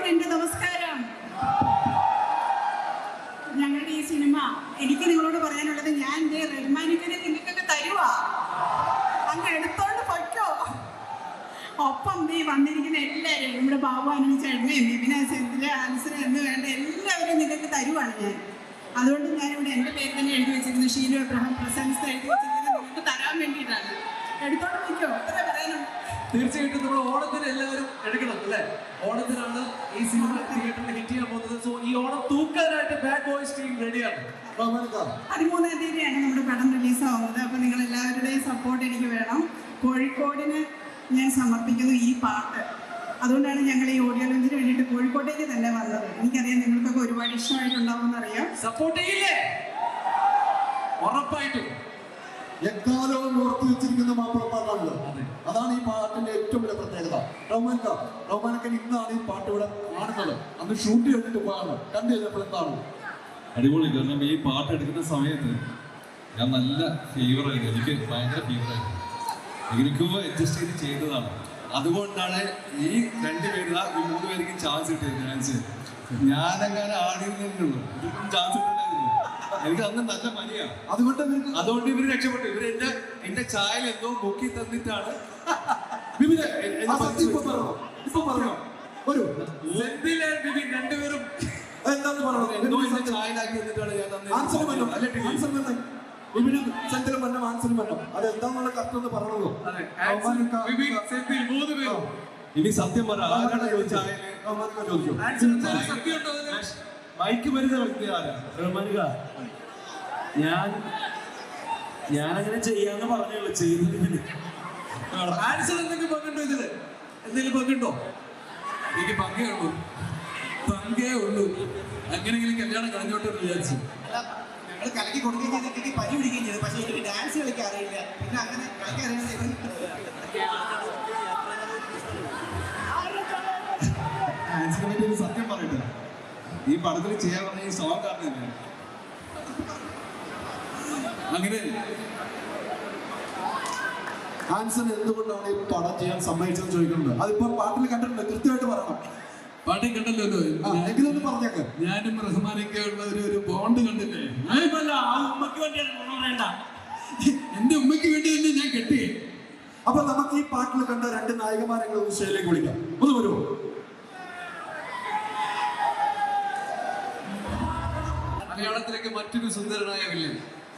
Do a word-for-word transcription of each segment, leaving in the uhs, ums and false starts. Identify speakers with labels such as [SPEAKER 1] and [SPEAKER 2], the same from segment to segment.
[SPEAKER 1] എന്റെ നമസ്കാരം. ഞങ്ങളുടെ ഈ സിനിമ എനിക്ക് നിങ്ങളോട് പറയാനുള്ളത്, ഞാൻ ദേ റഹ്മാനിക്കനെ നിങ്ങൾക്കൊക്കെ തരുവാ, അങ്ങ് എടുത്തോണ്ട് പൊയ്ക്കോ. ഒപ്പം നീ വന്നിരിക്കുന്ന എല്ലാവരും, നമ്മുടെ ബാബു അനുചേട്ടനെയും വിപിന സെന്തില ആൻസർ എന്ന് വേണ്ട എല്ലാവരും നിങ്ങൾക്ക് തരുവാണ് ഞാൻ. അതുകൊണ്ട് ഞാനിവിടെ എൻ്റെ പേര് തന്നെ എഴുതി വെച്ചിരുന്നു, ഷീലു എബ്രഹാം പ്രസൻസ് എഴുതി വെച്ചിരിക്കുന്നത് നിങ്ങൾക്ക് തരാൻ വേണ്ടിയിട്ടാണ്. എടുത്തോണ്ട് പൊയ്ക്കോ, അത്ര പറയാനുണ്ട്.
[SPEAKER 2] തീർച്ചയായിട്ടും നമ്മൾ ഓണത്തിന് എല്ലാവരും എടുക്കണം അല്ലേ? ഓണത്തിനാണ് ഈ സിനിമ തിയേറ്ററിൽ ഹിറ്റ് ചെയ്യാൻ പോകുന്നത്. സോ ഈ ഓണം തൂക്കാനായിട്ട് ബാഡ് ബോയ്സ് ടീം റെഡിയാണ്.
[SPEAKER 1] പതിമൂന്നാം തീയതിയാണ് നമ്മുടെ പടം റിലീസ് ആവുന്നത്. അപ്പോൾ നിങ്ങൾ എല്ലാവരുടെയും സപ്പോർട്ട് എനിക്ക് വേണം. കോഴിക്കോടിന് ഞാൻ സമർപ്പിക്കുന്നു ഈ പാട്ട്. അതുകൊണ്ടാണ് ഞങ്ങൾ ഈ ഓഡിയോ ലോഞ്ചിന് വേണ്ടിയിട്ട് കോഴിക്കോട്ടേക്ക് തന്നെ വന്നത്. എനിക്കറിയാം നിങ്ങൾക്കൊക്കെ ഒരുപാട് ഇഷ്ടമായിട്ടുണ്ടാവുമെന്ന് അറിയാം.
[SPEAKER 2] സപ്പോർട്ട് ചെയ്യില്ലേ? ഉറപ്പായിട്ടും
[SPEAKER 3] എക്കാലവും ഓർത്തു വെച്ചിരിക്കുന്ന മാപ്പിളപ്പാട്ടാണല്ലോ. അതാണ് ഈ പാട്ടിന്റെ ഏറ്റവും വലിയ പ്രത്യേകത. റഹ്മാൻക റഹ്മാനക്കൻ ഇന്നാണ് ഈ പാട്ട് ഇവിടെ കാണുന്നത്. അന്ന് ഷൂട്ട് ചെയ്തിട്ട് പോയാണ്. കണ്ടു കഴിഞ്ഞപ്പോൾ എന്താണ്
[SPEAKER 4] അടിപൊളി. കാരണം ഈ പാട്ട് എടുക്കുന്ന സമയത്ത് ഞാൻ നല്ല ഫീവറായിരുന്നു, എനിക്ക് ഭയങ്കര ഫീവറായിരുന്നു. എനിക്കും അഡ്ജസ്റ്റ് ചെയ്ത് ചെയ്തതാണ്. അതുകൊണ്ടാണ് ഈ രണ്ടുപേര് ഈ മൂന്ന് പേർക്ക് ചാൻസ് കിട്ടിയത്. ചാൻസ് ഞാനങ്ങനെ ആടിയിരുന്നുള്ളൂ, ഇതിപ്പം ചാൻസ് കിട്ടില്ലായിരുന്നു. എനിക്ക് അന്ന് നല്ല പനിയാണ്. അതുകൊണ്ട് അതുകൊണ്ട് ഇവര് രക്ഷപ്പെട്ടു. ഇവര് എന്റെ എന്റെ ചായൽ എന്തോ മുക്കി തന്നിട്ടാണ് രണ്ടുപേരും
[SPEAKER 3] എന്താണ് പറയുന്നത്?
[SPEAKER 4] എന്തോ എന്റെ ചായലാക്കി എന്നിട്ടാണ് ഞാൻ തന്നെ
[SPEAKER 3] അത് എന്താന്നുള്ള കറക്റ്റ് ഒന്ന് പറഞ്ഞോളൂ.
[SPEAKER 4] ഇനി സത്യം പറ, ആരാണ് ചായല് ചോദിച്ചു? മൈക്ക് വരുന്ന വ്യക്തി ആരാ?
[SPEAKER 5] റഹ്മാനിക, ഞാൻ ഞാനങ്ങനെ ചെയ്യാന്ന് പറഞ്ഞുള്ളൂ, ചെയ്തതിന്
[SPEAKER 2] ആൻസർ എന്തെങ്കിലും പങ്കുണ്ടോ? ഇതില് എന്തെങ്കിലും പങ്കുണ്ടോ? എനിക്ക് പങ്കേ ഉള്ളൂ, പങ്കേ ഉള്ളൂ. എങ്ങനെയെങ്കിലും കല്യാണം കളഞ്ഞോട്ടെ എന്ന് വിചാരിച്ചു.
[SPEAKER 6] ഞങ്ങൾ കലക്കി കൊടുക്കുകയും ചെയ്തിട്ട് പനി പിടിക്കുകയും ചെയ്തു. പക്ഷേ എനിക്ക് ഡാൻസ് കളിക്കാൻ അറിയില്ല. പിന്നെ അങ്ങനെ കളിക്കാൻ അറിയാൻ
[SPEAKER 4] ആൻസിനെ പറ്റി ഒരു സത്യം പറയട്ടെ, ഈ പടത്തിൽ ചെയ്യാൻ പറഞ്ഞ ഈ സോങ് കാരണം
[SPEAKER 2] അങ്ങനെ
[SPEAKER 3] ആൻസൺ എന്തുകൊണ്ടാണ് ഈ പടം ചെയ്യാൻ സമ്മതിച്ചതെന്ന് ചോദിക്കുന്നുണ്ട്. അതിപ്പോ പാട്ടിൽ കണ്ടിട്ടുണ്ട്, കൃത്യമായിട്ട് പറയണം.
[SPEAKER 2] പാട്ടിൽ കണ്ടല്ലോ,
[SPEAKER 3] എങ്കിലും പറഞ്ഞേക്ക്.
[SPEAKER 2] ഞാനും റഹ്മാനൊക്കെ ഉള്ള ഒരു ഒരു ബോണ്ട് കണ്ടില്ലേ?
[SPEAKER 5] ഉമ്മക്ക് വേണ്ടിയാണ് വേണ്ട,
[SPEAKER 2] എന്റെ ഉമ്മയ്ക്ക് വേണ്ടി തന്നെ ഞാൻ കെട്ടി.
[SPEAKER 3] അപ്പൊ നമുക്ക് ഈ പാട്ടിൽ കണ്ട രണ്ട് നായികമാരെ വിഷയത്തിലേക്ക് വിളിക്കാം. ഒന്ന് വരുമോ?
[SPEAKER 2] മലയാളത്തിലേക്ക് മറ്റൊരു സുന്ദരനായ വില്ലൻ.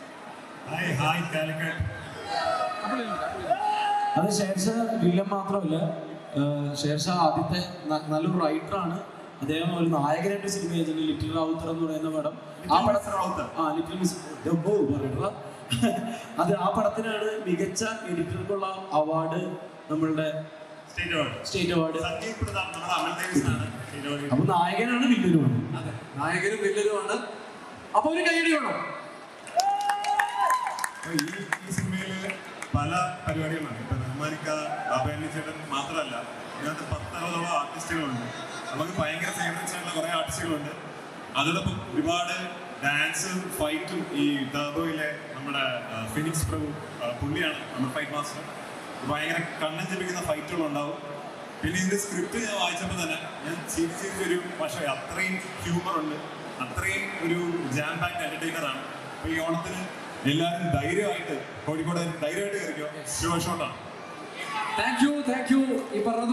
[SPEAKER 5] അത് ഷേർഷാ വില്ലൻ മാത്രമല്ല, ഷേർഷാ ആദ്യത്തെ നല്ലൊരു റൈറ്ററാണ്. അദ്ദേഹം ഒരു നായകനായിട്ട് സിനിമ ചെയ്തിട്ടുണ്ട്, ലിറ്റിൽ റൗത്തർ എന്ന് പറയുന്ന പടം. ആ പടത്തിൽ ആ ലിറ്റിൽ മിസ് അത് ആ പടത്തിനാണ് മികച്ച എഡിറ്റർക്കുള്ള അവാർഡ്, നമ്മളുടെ സ്റ്റേറ്റ് അവാർഡ്. അപ്പൊ നായകനാണ് വില്ലനുമാണ്.
[SPEAKER 2] അതെ, നായകനും വില്ലനുമാണ്. അപ്പൊ ഒരു കൈയടി വേണം.
[SPEAKER 7] ഈ ഈ സിനിമയില് പല പരിപാടികളാണ്. ഇപ്പൊ റഹ്മാനിക്ക, ബാബു ചേട്ടൻ മാത്രമല്ല, ഇതിനകത്ത് പത്തറുപതോളം ആർട്ടിസ്റ്റുകളുണ്ട്. നമുക്ക് ഭയങ്കര ഫേവറേറ്റ്സ് ആയിട്ടുള്ള കുറെ ആർട്ടിസ്റ്റുകളുണ്ട്. അതോടൊപ്പം ഒരുപാട് ഡാൻസും ഫൈറ്റും. ഈ ടർബോയിലെ നമ്മുടെ ഫിനിക്സ് പ്രഭു, പുള്ളിയാണ് നമ്മുടെ ഫൈറ്റ് മാസ്റ്റർ. ഭയങ്കര കണ്ണൻ ജപിക്കുന്ന ഫൈറ്റുകളുണ്ടാവും. പിന്നെ ഇതിന്റെ സ്ക്രിപ്റ്റ് ഞാൻ വായിച്ചപ്പോൾ തന്നെ ഞാൻ ചിരിച്ച് ചിരിച്ചൊരു, പക്ഷേ അത്രയും ഹ്യൂമർ ഉണ്ട്, അത്രയും ഒരു ജാം പാക്ഡ് എന്റർടൈനർ ആണ്. അപ്പൊ ഈ ഓണത്തിന് എല്ലാവരും ധൈര്യമായിട്ട് കോഴിക്കോട് ധൈര്യമായിട്ട് കയറിക്കോ. ഷോ ഷോട്ടാണ്.
[SPEAKER 2] Thank you thank you. ഈ പറഞ്ഞത്